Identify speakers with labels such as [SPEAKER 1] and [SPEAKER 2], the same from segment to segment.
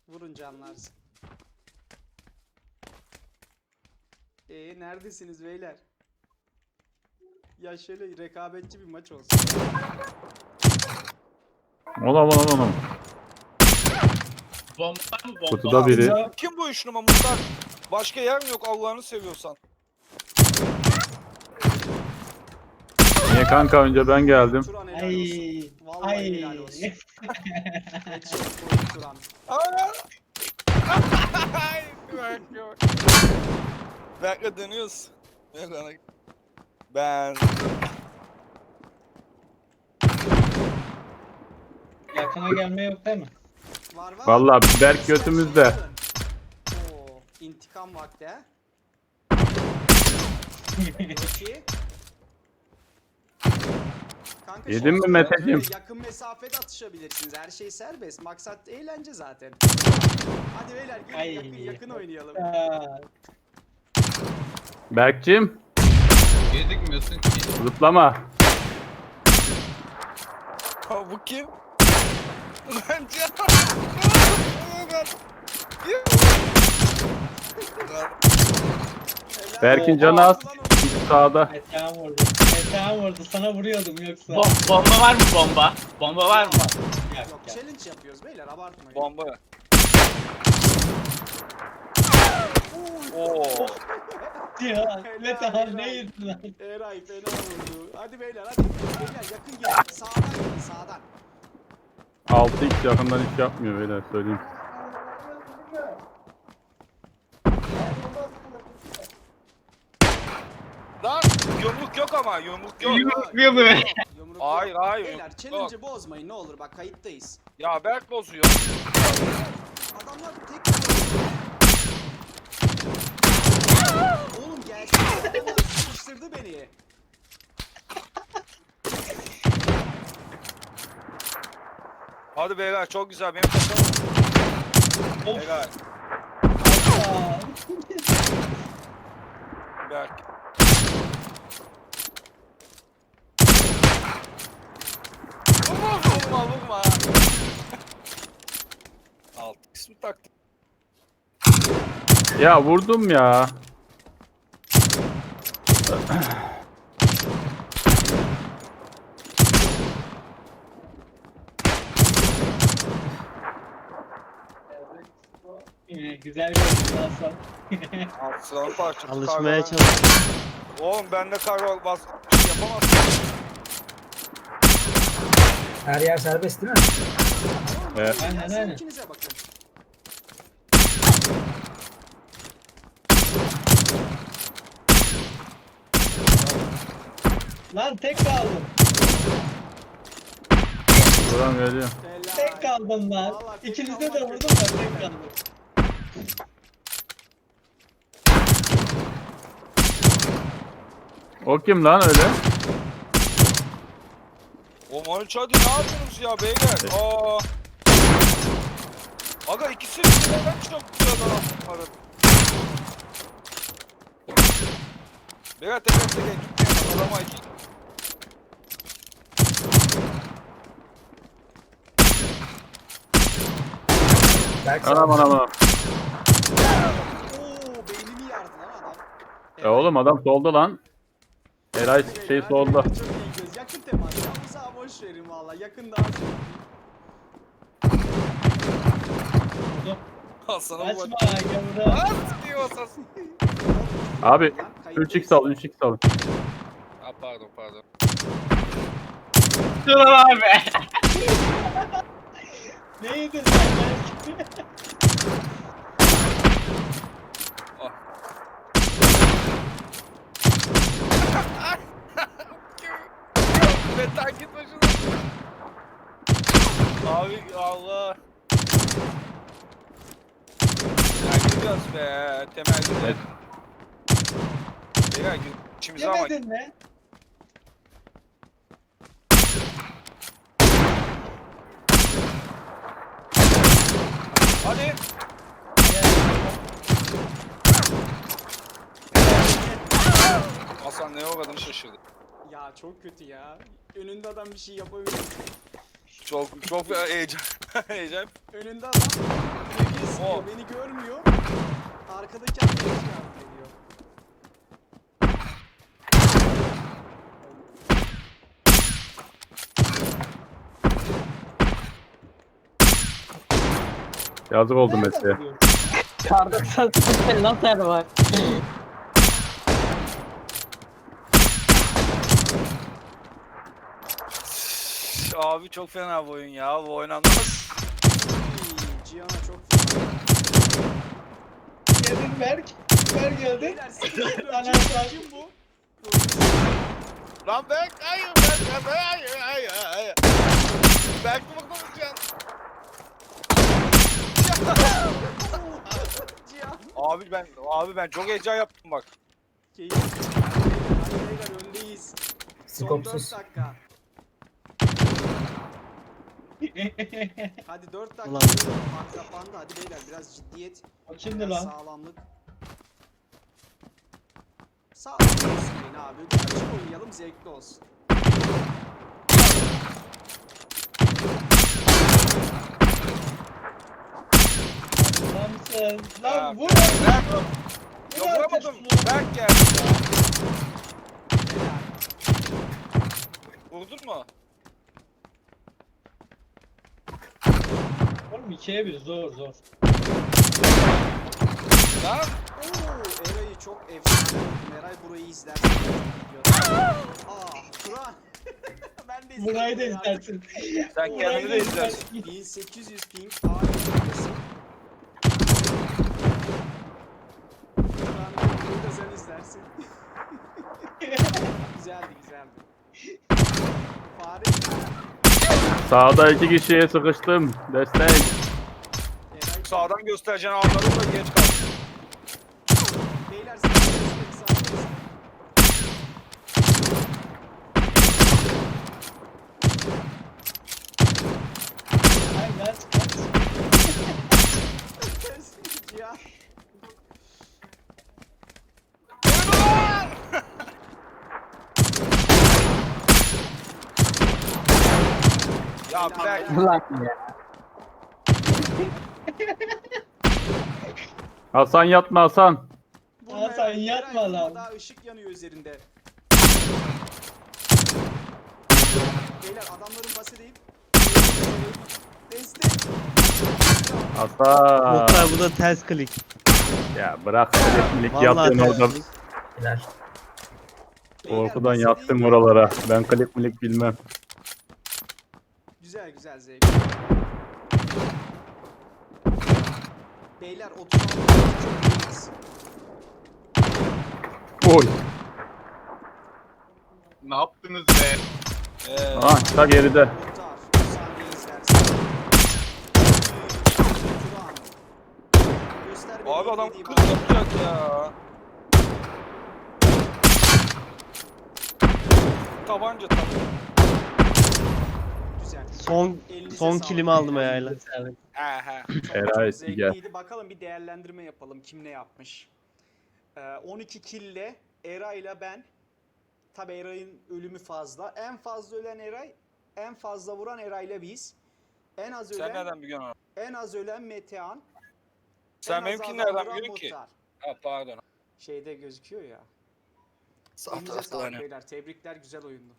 [SPEAKER 1] Vurunca anlarsın. Neredesiniz beyler? Ya şöyle rekabetçi bir maç olsun.
[SPEAKER 2] Olam.
[SPEAKER 3] Bomba mı bomba?
[SPEAKER 2] Kutuda biri.
[SPEAKER 4] Kim bu üç numara Muhtar? Başka yer mi yok Allah'ını seviyorsan?
[SPEAKER 2] Niye kanka önce ben geldim.
[SPEAKER 1] Turan helal
[SPEAKER 5] Ay.
[SPEAKER 1] olsun. Vallahi
[SPEAKER 5] Ay.
[SPEAKER 1] helal olsun. Headshot koydu Turan.
[SPEAKER 4] Bekle dönüyoruz. Ben
[SPEAKER 5] Yakına gelme yok değil mi?
[SPEAKER 1] Var.
[SPEAKER 2] Vallahi Berk götümüzde.
[SPEAKER 1] Oo, intikam vakti ha. Peki. Kanka,
[SPEAKER 2] Yedin mi
[SPEAKER 1] şöyle
[SPEAKER 2] Meteciğim?
[SPEAKER 1] yakın mesafede atışabilirsiniz. Her şey serbest. Maksat eğlence zaten. Hadi beyler gelin
[SPEAKER 5] Ay.
[SPEAKER 1] yakın oynayalım.
[SPEAKER 5] Aa,
[SPEAKER 2] Berk'cim
[SPEAKER 3] Gözükmüyorsun ki.
[SPEAKER 2] zıplama.
[SPEAKER 4] bu kim? Bence.
[SPEAKER 2] Berk'in canı az. Sağda.
[SPEAKER 5] Metehan vurdu. Metehan vurdu. Sana vuruyordum yoksa.
[SPEAKER 3] Bomba var mı bomba? Bomba var mı?
[SPEAKER 5] Yok,
[SPEAKER 1] Yok
[SPEAKER 5] yok.
[SPEAKER 1] challenge yapıyoruz beyler abartmayın.
[SPEAKER 4] Bomba. Oo.
[SPEAKER 5] Ya,
[SPEAKER 1] Helal,
[SPEAKER 5] Metehan
[SPEAKER 1] helal.
[SPEAKER 5] ne yedin lan?
[SPEAKER 1] Eray fena vurdu. Hadi beyler hadi. Beyler yakın gelin. Sağdan gelin sağdan.
[SPEAKER 2] 6x yakından hiç yapmıyor beyler söyleyeyim.
[SPEAKER 4] Lan yumruk yok ama yumruk yok.
[SPEAKER 3] Yumruk mu?
[SPEAKER 1] Yumruk
[SPEAKER 4] Hayır,
[SPEAKER 1] yok.
[SPEAKER 4] hayır,
[SPEAKER 1] Beyler
[SPEAKER 4] yumruk
[SPEAKER 1] challenge'ı bozmayın ne olur bak kayıttayız.
[SPEAKER 4] Ya Berk bozuyor.
[SPEAKER 1] Adamlar tek Oğlum gelsene adamlar sıkıştırdı beni.
[SPEAKER 4] Hadi beyler çok güzel benim takım.
[SPEAKER 5] Of.
[SPEAKER 4] Beyler
[SPEAKER 5] Aa,
[SPEAKER 4] Berk. Vurma. Alt ismi taktım.
[SPEAKER 2] Ya vurdum ya.
[SPEAKER 5] güzel bir oyun Hasan.
[SPEAKER 4] Alt sıranın parçası.
[SPEAKER 6] Alışmaya
[SPEAKER 4] Kargo.
[SPEAKER 6] çalış.
[SPEAKER 4] Oğlum bende kargo bas yapamazsın.
[SPEAKER 7] Her yer serbest değil mi?
[SPEAKER 2] Evet.
[SPEAKER 5] Aynen.
[SPEAKER 1] İkinize bakın.
[SPEAKER 5] Lan tek kaldım.
[SPEAKER 2] Buram geliyor.
[SPEAKER 1] Helal.
[SPEAKER 5] Tek kaldım lan.
[SPEAKER 1] Vallahi tek
[SPEAKER 5] İkinize de
[SPEAKER 1] kalmak
[SPEAKER 5] vurdum
[SPEAKER 1] kötü.
[SPEAKER 5] da tek kaldım.
[SPEAKER 2] O kim lan öyle?
[SPEAKER 4] Oğlum 13 hadi ne yapıyorsunuz ya beyler? Aga ikisi birden çok güzel adam aradı. Beyler teker gitmeyin adama iki.
[SPEAKER 7] Berk
[SPEAKER 2] Anam.
[SPEAKER 1] Oo beynimi yardı lan adam.
[SPEAKER 2] Oğlum adam solda lan. Eray şey
[SPEAKER 1] Hadi
[SPEAKER 2] solda.
[SPEAKER 1] beyler, çok iyi göz. Yakın temas. Ya bu sağa boş verin valla. Yakın daha zevkli.
[SPEAKER 5] Vurdum.
[SPEAKER 4] Hasan'a bu
[SPEAKER 5] Kaçma gavura.
[SPEAKER 4] At diyor Hasan.
[SPEAKER 2] Abi
[SPEAKER 1] Lan,
[SPEAKER 2] 3x al 3x al.
[SPEAKER 4] Ha pardon.
[SPEAKER 3] Dur abi.
[SPEAKER 5] Ne yedin sen belki?
[SPEAKER 4] Metan git başına. Abi Allah. Ya gidiyoruz be. Temel gidelim.
[SPEAKER 2] Evet.
[SPEAKER 4] Beyler içimize ama.
[SPEAKER 5] Yemedin mi?
[SPEAKER 4] Hadi. Hasan neye uğradığını şaşırdı.
[SPEAKER 1] Ya çok kötü ya. Önünde adam bir şey yapabilir.
[SPEAKER 4] Çok heyecan. Heyecan.
[SPEAKER 1] Önünde adam. sıkıyor,
[SPEAKER 4] O.
[SPEAKER 1] beni görmüyor. Arkadaki arkadaş yardım ediyor.
[SPEAKER 2] Yazık oldu
[SPEAKER 5] Nereden
[SPEAKER 2] Messi'ye.
[SPEAKER 5] vuruyor?
[SPEAKER 6] Kar 98 lazer var.
[SPEAKER 4] Abi çok fena bu oyun ya. Bu oynanmaz.
[SPEAKER 1] Cihan'a çok fena.
[SPEAKER 5] Geldin Berk. Berk geldi.
[SPEAKER 1] Beyler sıkıntı yok.
[SPEAKER 5] Anahtar.
[SPEAKER 1] Kim bu?
[SPEAKER 4] Lan Berk hayır hayır. Berk mi konuşacaksın?
[SPEAKER 1] Cihan.
[SPEAKER 4] Abi ben çok heyecan yaptım bak.
[SPEAKER 1] Keyif. Hadi beyler öndeyiz. Son 4
[SPEAKER 7] Skopsuz.
[SPEAKER 1] dakika. Hadi 4 dakika.
[SPEAKER 6] Ulan.
[SPEAKER 1] Fark kapandı. Hadi beyler biraz ciddiyet.
[SPEAKER 5] O kimdi
[SPEAKER 1] Biraz
[SPEAKER 5] lan?
[SPEAKER 1] sağlamlık. Sağlamlık olsun abi. Bir açık oynayalım, zevkli olsun.
[SPEAKER 5] Lan sen. Lan
[SPEAKER 4] Ha,
[SPEAKER 5] vur.
[SPEAKER 4] Berk.
[SPEAKER 5] Vur
[SPEAKER 4] Ya
[SPEAKER 5] artık
[SPEAKER 4] vuramadım.
[SPEAKER 5] şunu.
[SPEAKER 4] Berk geldi ya. Vurdun mu?
[SPEAKER 5] Oğlum 2'ye 1 zor.
[SPEAKER 4] Lan.
[SPEAKER 1] Oo, Eray'ı çok efsane buldum. Eray burayı izlersin. Turan. Ben de izledim.
[SPEAKER 5] Burayı da
[SPEAKER 1] burayı artık.
[SPEAKER 5] izlersin.
[SPEAKER 4] Sen kendini de izlersin.
[SPEAKER 1] 1800 ping ağır noktası. Turan burayı da sen izlersin. güzeldi. Fare.
[SPEAKER 2] Sağda 2 kişiye sıkıştım. Destek.
[SPEAKER 1] Eray.
[SPEAKER 4] Sağdan göstereceğin anları da geç kaldı.
[SPEAKER 1] Beyler sağ destek, sağ destek.
[SPEAKER 5] Ay lan kaç.
[SPEAKER 1] Ya.
[SPEAKER 4] Ya Berk.
[SPEAKER 6] Ulan ya.
[SPEAKER 2] Hasan yatma Hasan.
[SPEAKER 1] Vurma
[SPEAKER 5] Hasan,
[SPEAKER 1] Eray,
[SPEAKER 5] yatma
[SPEAKER 1] Eray, vurma,
[SPEAKER 5] lan.
[SPEAKER 1] daha ışık yanıyor üzerinde. Beyler adamların bası deyip destek.
[SPEAKER 2] Hasan.
[SPEAKER 8] Muhtar bu da ters klik.
[SPEAKER 2] Ya bırak elektriklik
[SPEAKER 8] Vallahi
[SPEAKER 2] yapıyorsun
[SPEAKER 8] ters
[SPEAKER 2] orada.
[SPEAKER 8] klik.
[SPEAKER 7] Helal.
[SPEAKER 1] Beyler,
[SPEAKER 2] Korkudan
[SPEAKER 1] bası
[SPEAKER 2] yattım
[SPEAKER 1] değil.
[SPEAKER 2] oralara. Ben klik milik bilmem.
[SPEAKER 1] Güzel zevk. Beyler 36 çok iyiyiz.
[SPEAKER 2] Oy.
[SPEAKER 3] Ne yaptınız be?
[SPEAKER 2] Ha ta geride.
[SPEAKER 1] Muhtar, bir saniye izlersin. Turan. Göster beni
[SPEAKER 4] Abi adam
[SPEAKER 1] izlediğim
[SPEAKER 4] 40 yapacak ya. Tabanca.
[SPEAKER 1] Güzel.
[SPEAKER 8] Son
[SPEAKER 1] Elinize
[SPEAKER 8] son
[SPEAKER 1] sağlık
[SPEAKER 8] kilimi aldım
[SPEAKER 1] beyler.
[SPEAKER 8] ayağıyla.
[SPEAKER 4] Aha.
[SPEAKER 2] Eray
[SPEAKER 1] Çok
[SPEAKER 2] gel.
[SPEAKER 1] zevkliydi. Bakalım bir değerlendirme yapalım. Kim ne yapmış? 12 kille Eray'la ben. Tabi Eray'ın ölümü fazla. En fazla ölen Eray, en fazla vuran Eray'la biz. En az
[SPEAKER 4] Sen
[SPEAKER 1] ölen,
[SPEAKER 4] nereden biliyorsun onu?
[SPEAKER 1] en az ölen Metehan.
[SPEAKER 4] Sen
[SPEAKER 1] en az
[SPEAKER 4] benimkini
[SPEAKER 1] adam
[SPEAKER 4] nereden
[SPEAKER 1] vuran
[SPEAKER 4] biliyorsun ki?
[SPEAKER 1] Muhtar.
[SPEAKER 4] Ha pardon.
[SPEAKER 1] Şeyde gözüküyor ya.
[SPEAKER 4] Sağ
[SPEAKER 1] Elinize
[SPEAKER 4] tarafta
[SPEAKER 1] sağlık
[SPEAKER 4] hani.
[SPEAKER 1] beyler. Tebrikler, güzel oyundu.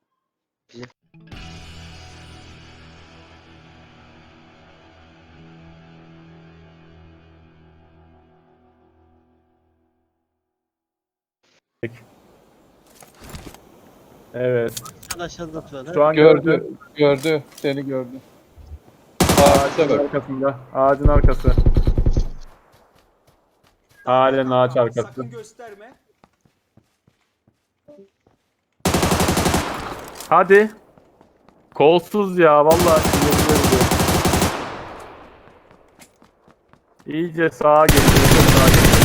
[SPEAKER 2] Evet.
[SPEAKER 8] Aşağıda tutar.
[SPEAKER 2] Şu an
[SPEAKER 9] Gördü. Seni gördü.
[SPEAKER 2] Ağacın arkasında. Ağacın arkası. Halen ağaç arkası.
[SPEAKER 1] Sakın gösterme.
[SPEAKER 2] Hadi. Kolsuz ya vallahi. sinirlerim diyor. İyice sağa geliyor. Sağa geliyor.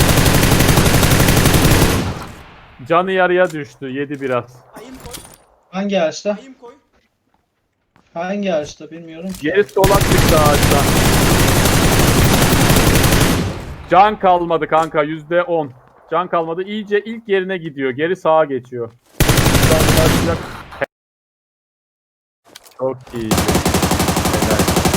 [SPEAKER 2] Canı yarıya düştü. Yedi biraz.
[SPEAKER 1] Ayım koy.
[SPEAKER 5] Hangi ağaçta?
[SPEAKER 1] Ayım koy.
[SPEAKER 5] Hangi ağaçta bilmiyorum ki.
[SPEAKER 2] Geri solak çıktı ağaçtan. Can kalmadı kanka. %10. Can kalmadı. İyice ilk yerine gidiyor. Geri sağa geçiyor. Çok iyi. Helal.